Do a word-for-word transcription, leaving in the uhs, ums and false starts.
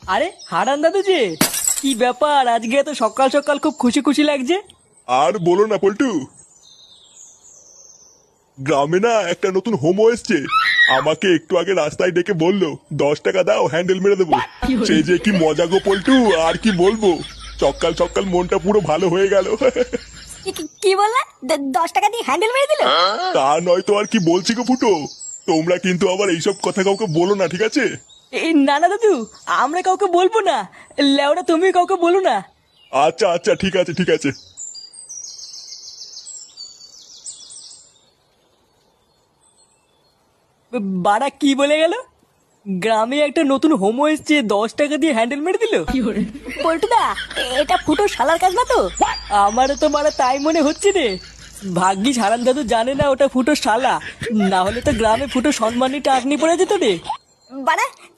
আরে হারান দাদু যে, কি ব্যাপার আজকে এত সকাল সকাল খুব খুশি খুশি লাগছে? আর বলো না পল্টু, গ্রামে না একটা নতুন হোমো এসছে। আমাকে একটু আগে রাস্তায় ডেকে বললো দশ টাকা দাও হ্যান্ডেল মেরে দেবো। সে যে কি মজা গো পল্টু, আর কি বলবো। সকাল সকাল মনটা পুরো ভালো হয়ে গেল। কি- কি- কি বললা? দ- দশ টাকা দিয়ে হ্যান্ডেল মেরে দিল? তা নয় তো আর কি বলছি গো ফুটো। তোমরা কিন্তু আবার এইসব কথা কাউকে বলো না, ঠিক আছে? এই না না দাদু, আমরা কাউকে বলবো না। লেওরা তুমি কাউকে বলো না। আচ্ছা আচ্ছা ঠিক আছে ঠিক আছে। বাড়া কি বলে গেল? গ্রামে একটা নতুন হোমো এসছে, দশ টাকা দিয়ে হ্যান্ডেল মেরে দিল। পল্টুদা, এটা ফুটো শালার কাজ না তো? আমারও তো মারা তাই মনে হচ্ছে রে। ভাগ্যিস হারান দাদু জানে না ওটা ফুটো শালা, না হলে তো গ্রামে ফুটো সম্মানী টাকনি পড়ে যেত রে। বাড়া,